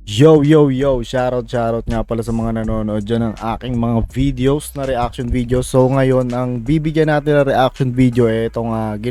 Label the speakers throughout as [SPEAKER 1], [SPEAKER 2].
[SPEAKER 1] Yo, shoutout nga pala sa mga nanonood dyan ng aking mga videos na reaction videos. So ngayon, ang bibigyan natin ng reaction video itong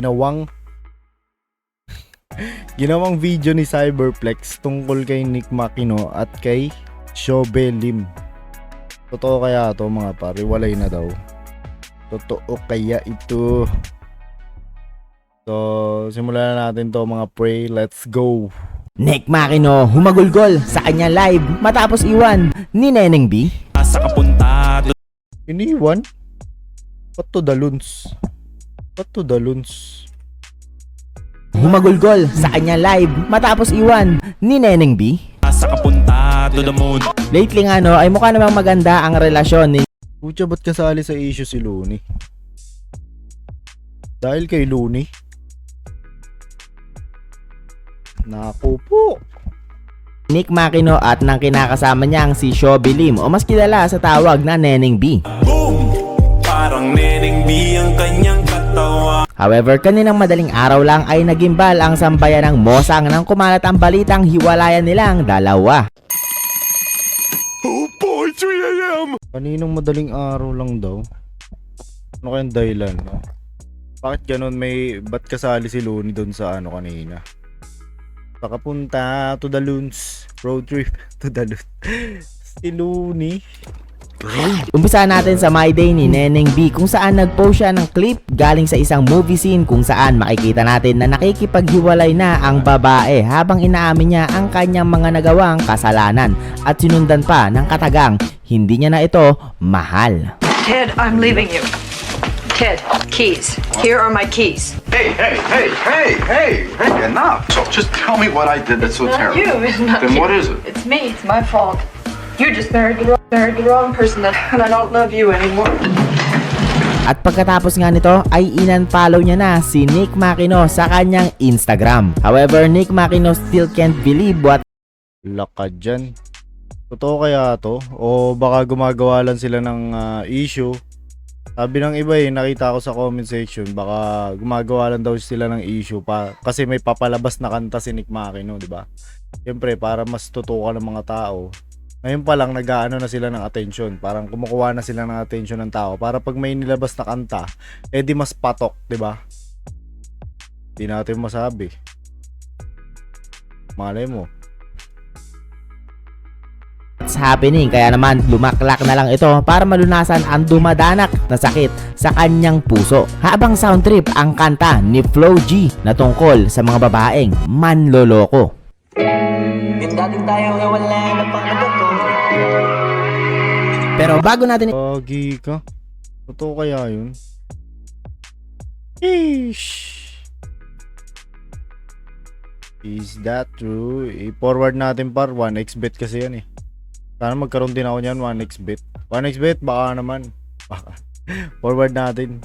[SPEAKER 1] ginawang video ni Cyberplex tungkol kay Nick Makino at kay Shobe Lim. Totoo kaya to mga pare? Walay na daw. Totoo kaya ito? So simulan na natin to mga pre. Let's go!
[SPEAKER 2] Nick Makino humagulgol sa kanya live matapos iwan ni Neneng B.
[SPEAKER 3] Sa kapunta.
[SPEAKER 1] Iniwan? What to the loons? What to the loons?
[SPEAKER 2] Humagulgol sa kanya live matapos iwan ni Neneng B.
[SPEAKER 3] Sa kapunta to the moon.
[SPEAKER 2] Lately nga no ay mukha namang maganda ang relasyon ni
[SPEAKER 1] Pucha, ba't kasali sa issue si Looney? Dahil kay Looney? Naku po!
[SPEAKER 2] Nick Makino at ng kinakasama niyang si Shobe Lim o mas kilala sa tawag na Neneng B.
[SPEAKER 3] Boom! Parang Neneng B ang kanyang katawa.
[SPEAKER 2] However, kaninang madaling araw lang ay nagimbal ang sambayan ng Mosang nang kumalat ang balitang hiwalayan nilang dalawa.
[SPEAKER 3] Oh boy, 3 a.m.
[SPEAKER 1] Kaninong madaling araw lang daw? Ano kayang dahilan? No? Bakit ganun ba't kasali si Looney doon sa kanina? Pakapunta to the loons. Road trip to the loons. Si Looney.
[SPEAKER 2] Umpisa natin sa My Day ni Neneng B kung saan nag-post siya ng clip galing sa isang movie scene kung saan makikita natin na nakikipaghiwalay na ang babae habang inaamin niya ang kanyang mga nagawang kasalanan at sinundan pa ng katagang hindi niya na ito mahal.
[SPEAKER 4] Ted, I'm leaving you. Ted, keys. Here are my keys.
[SPEAKER 5] Hey, enough. So just tell me what I did that's so
[SPEAKER 4] Not
[SPEAKER 5] terrible.
[SPEAKER 4] you. It's not
[SPEAKER 5] Then
[SPEAKER 4] you.
[SPEAKER 5] what is it?
[SPEAKER 4] It's me. It's my fault. You just married the wrong person, and I don't love you anymore.
[SPEAKER 2] At pagkatapos nga nito ay in-unfollow niya na si Nick Makino sa kanyang Instagram. However, Nick Makino still can't believe what
[SPEAKER 1] Lakad dyan. Totoo kaya to? O baka gumagawa lang sila ng issue? Sabi ng iba nakita ko sa comment section, baka gumagawa lang daw sila ng issue pa kasi may papalabas na kanta si Nick Makino, di ba? Siyempre, para mas tutukan ng mga tao. Ngayon pa lang nag-aano na sila ng attention, parang kumukuha na sila ng attention ng tao para pag may nilabas na kanta, di mas patok, di ba? Di natin masabi. Malay mo.
[SPEAKER 2] what's happening, kaya naman lumaklak na lang ito para malunasan ang dumadanak na sakit sa kanyang puso. Habang sound trip ang kanta ni Flo G na tungkol sa mga babaeng manloloko. Pero bago natin
[SPEAKER 1] Pagi ka. Totoo kaya yun? Eesh. Is that true? I-forward natin par 1xbet kasi yan Sana magkaroon din ako niyan 1xbet. 1xbet baka naman. Baka. Forward natin.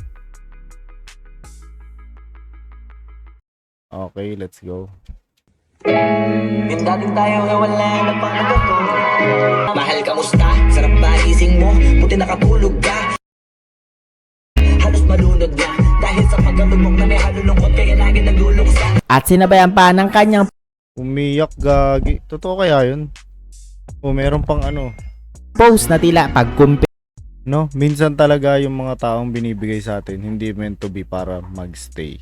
[SPEAKER 1] Okay, let's go.
[SPEAKER 6] Dating tayo ay wala na panagot. Mahal kamusta? Sarap ba ising mo? Buti nakatulog ka. Halos malunod na dahil sa pagkalumok na may halulungkot kaya lagi nagluluksa.
[SPEAKER 2] at sinabayan pa ng kanyang
[SPEAKER 1] Umiyak gagi. Totoo kaya yun? O meron pang
[SPEAKER 2] post na tila pagkumpi
[SPEAKER 1] no? Minsan talaga yung mga taong binibigay sa atin hindi meant to be para magstay.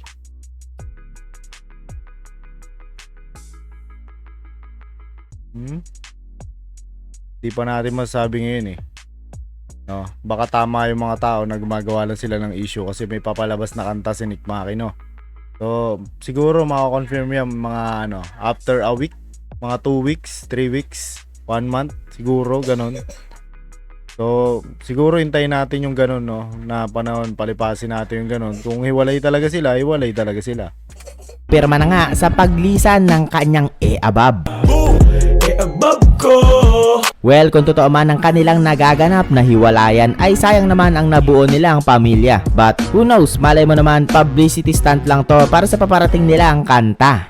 [SPEAKER 1] Di pa natin masasabi ngayon no? Baka tama yung mga tao na gumagawa lang sila ng issue kasi may papalabas na kanta si Nick Makino. So siguro mako-confirm yan mga after a week, mga 2 weeks, 3 weeks, 1 month, siguro ganun. So siguro hintayin natin yung ganun na panahon, palipasin natin yung ganun. Kung hiwalay talaga sila, hiwalay talaga sila.
[SPEAKER 2] pirma na nga sa paglisan ng kanyang abab.
[SPEAKER 3] Above ko.
[SPEAKER 2] Well, kung totoo man ang kanilang nagaganap na hiwalayan ay sayang naman ang nabuo nilang pamilya. But who knows, malay mo naman publicity stunt lang to para sa paparating nilang kanta.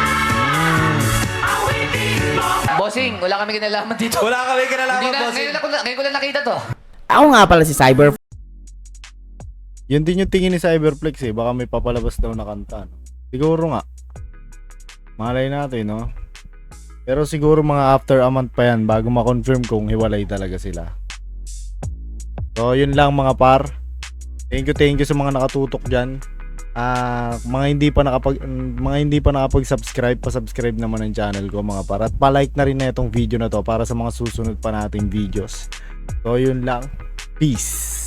[SPEAKER 7] Bossing, wala kami kinalaman dito.
[SPEAKER 3] Wala kami kinalaman, bossing.
[SPEAKER 7] Ngayon ko lang nakita to.
[SPEAKER 2] Ako nga pala si Cyber.
[SPEAKER 1] Yun din yung tingin ni Cyberplex baka may papalabas daw na kanta. Siguro nga. Malay natin Pero siguro mga after a month pa yan bago ma-confirm kung hiwalay talaga sila. So yun lang mga par. Thank you sa mga nakatutok dyan. Mga hindi pa nakapag-subscribe, pa-subscribe naman ng channel ko mga par. At pa-like na rin na itong video na to para sa mga susunod pa nating videos. So yun lang. Peace.